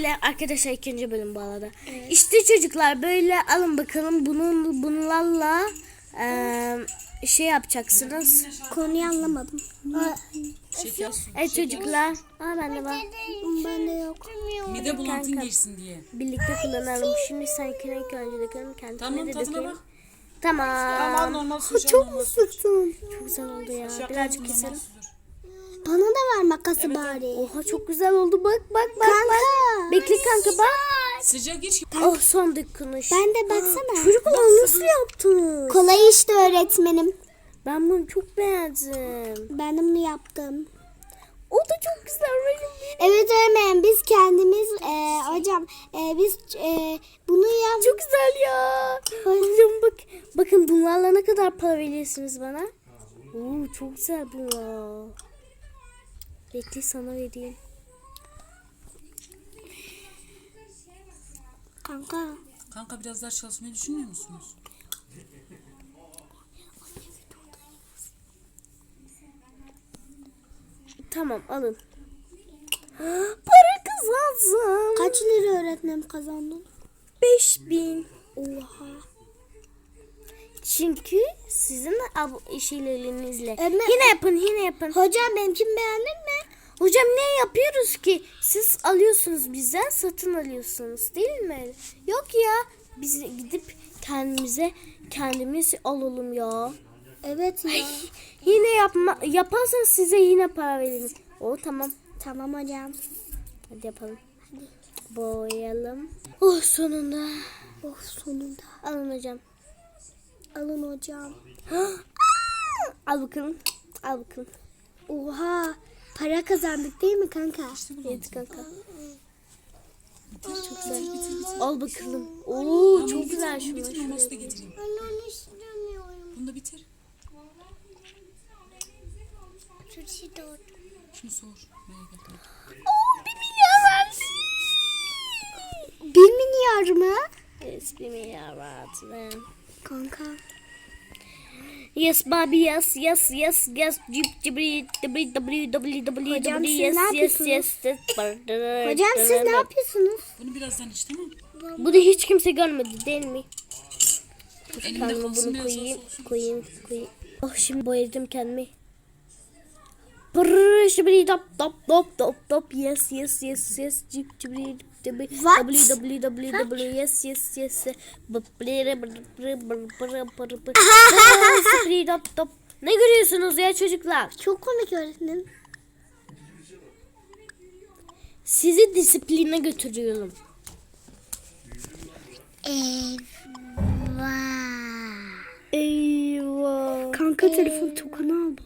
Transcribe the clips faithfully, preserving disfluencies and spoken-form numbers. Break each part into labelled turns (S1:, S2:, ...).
S1: Şöyle arkadaşlar ikinci bölüm bu arada. Evet. İşte çocuklar böyle alın bakalım bunun bunlarla e, şey yapacaksınız.
S2: Konuyu anlamadım.
S3: Şeker su.
S1: Evet çocuklar. Aa bende var.
S2: Bende yok.
S3: Mide bulantın geçsin diye.
S1: Birlikte kullanalım. Şimdi sen ilk önce dökelim. Kendime
S3: Tamam
S1: de
S3: tadına
S1: dökeyim.
S3: bak.
S1: Tamam.
S3: Aman normal su.
S2: Çok mu sıktın?
S1: Çok güzel oldu ya.
S3: Şaka
S1: Birazcık
S3: normal
S1: keselim.
S3: sudur.
S2: Bana da ver makası bari.
S1: Oha çok güzel oldu. Bak bak bak.
S2: Kanka.
S1: Bak. Bekle kanka bak.
S3: Sıcak iç.
S1: Oh son dokunuş.
S2: Ben de baksana.
S1: Çocuklar nasıl yaptınız?
S2: Kolay işte öğretmenim.
S1: Ben bunu çok beğendim.
S2: Ben de bunu yaptım.
S1: O da çok güzel.
S2: Evet öğretmenim biz kendimiz e, hocam e, biz e, bunu yap.
S1: Çok güzel ya. Hocam bak. Bakın bunlarla ne kadar para veriyorsunuz bana? Oo çok güzel bu ya. Bekle sana vereyim.
S2: Kanka.
S3: Kanka biraz daha çalışmayı düşünmüyor musunuz?
S1: Tamam alın. Para kazandım.
S2: Kaç lira öğretmenim kazandın?
S1: Beş bin.
S2: Oha.
S1: Çünkü sizin ab- şeylerinizle.
S2: Ömer-
S1: Yine yapın yine yapın.
S2: Hocam benimkini beğendin mi?
S1: Hocam ne yapıyoruz ki? Siz alıyorsunuz bizden satın alıyorsunuz değil mi? Yok ya. Biz gidip kendimize kendimiz alalım ya.
S2: Evet ya.
S1: Yine yapma yaparsanız size yine para veririz. O tamam.
S2: Tamam hocam.
S1: Hadi yapalım. Hadi. Boyayalım. Oh sonunda.
S2: Oh sonunda.
S1: Alın hocam.
S2: Alın hocam.
S1: Al bakalım. Al bakalım.
S2: Oha. Para kazandık değil mi kanka?
S1: Evet kanka. Çok güzel. Al bakalım. Oo çok güzel şunlar.
S3: Bitir maması da getireyim.
S2: Ben onu istemiyorum.
S3: Bunu da bitir.
S2: Sushi dört.
S3: Şunu sor. Merak etme.
S1: Oo bir milyar verdi.
S2: Bir milyar mı?
S1: Yes bir milyar verdi.
S2: Kanka.
S1: Yes baby yes yes yes yes Jeep cibri w w w w
S2: Hocam,
S1: w
S2: siz
S1: yes
S2: ne
S1: yes
S2: yapıyorsunuz?
S1: yes yes.
S2: Hocam siz ne yapıyorsunuz?
S3: Bunu birazdan iç tamam mı?
S1: Bu da hiç kimse görmedi değil mi?
S3: Elinde
S1: Kendime
S3: kalsın
S1: bunu
S3: biraz
S1: koyayım,
S3: olsun.
S1: koyayım, koyayım. Oh şimdi boyadım kendimi. Brrrr şibri dop dop dop dop dop yes yes yes yes cip cibri cibri
S2: What?
S1: w w w w yes yes yes brrrr brrrr brrrr brrrr şibri dop dop. Ne görüyorsunuz ya çocuklar?
S2: Çok komik öğretmenim.
S1: Sizi disipline götürüyorum.
S2: Eyvah.
S1: Eyvah.
S2: Kanka telefon tokanı aldı.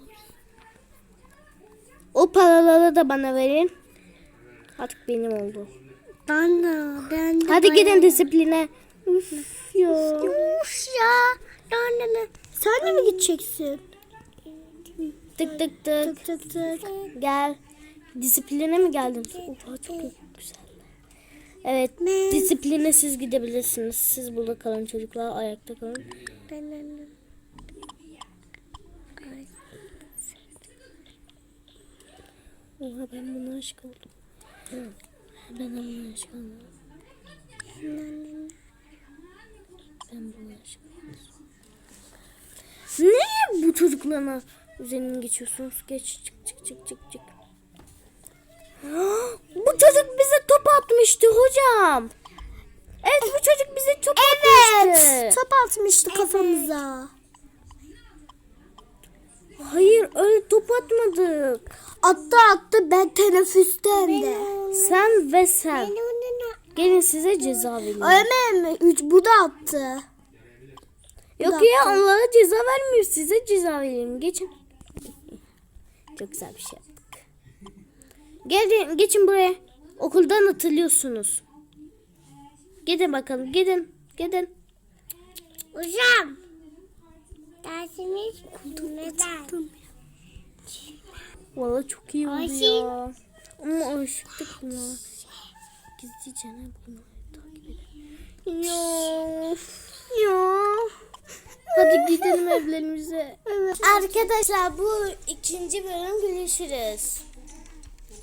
S1: O paraları da bana verin. Artık benim oldu.
S2: Ben de. Ben de.
S1: Hadi
S2: ben
S1: gidin
S2: de.
S1: disipline. Üf ya.
S2: Uf ya. Yani ne? Sen de mi gideceksin?
S1: Tık tık tık.
S2: Tık tık tık.
S1: Gel. Disipline mi geldin? Oha çok güzel. Evet.
S2: Ne?
S1: Disipline siz gidebilirsiniz. Siz burada kalın çocuklar. Ayakta kalın.
S2: Ben de.
S1: Oha ben buna aşık oldum. Ben buna aşık oldum. Ben buna aşık oldum. Ne bu çocuklarına üzerinden geçiyorsunuz? Geç çık çık çık çık çık. Bu çocuk bize top atmıştı hocam. Evet bu çocuk bize top atmıştı.
S2: Evet. Top atmıştı kafamıza.
S1: Hayır öyle top atmadık.
S2: Attı attı ben teneffüste hem de.
S1: Sen ve sen. Gelin size ceza vereyim.
S2: Öyle mi? Üç bu da attı.
S1: Yok ya onlara ceza vermiyor. Size ceza vereyim. Geçin. Çok güzel bir şey yaptık. Gelin geçin buraya. Okuldan atılıyorsunuz. Gidin bakalım. Gidin. Gidin.
S2: Hocam. Dersimiz neden?
S1: Vallahi çok iyi oldu
S2: Ayşe.
S1: ya. Ama alıştık buna. Gizlice ne bunu takip edelim. Ya. Ya. Hadi gidelim evlerimize.
S2: Evet.
S1: Arkadaşlar bu ikinci bölüm görüşürüz.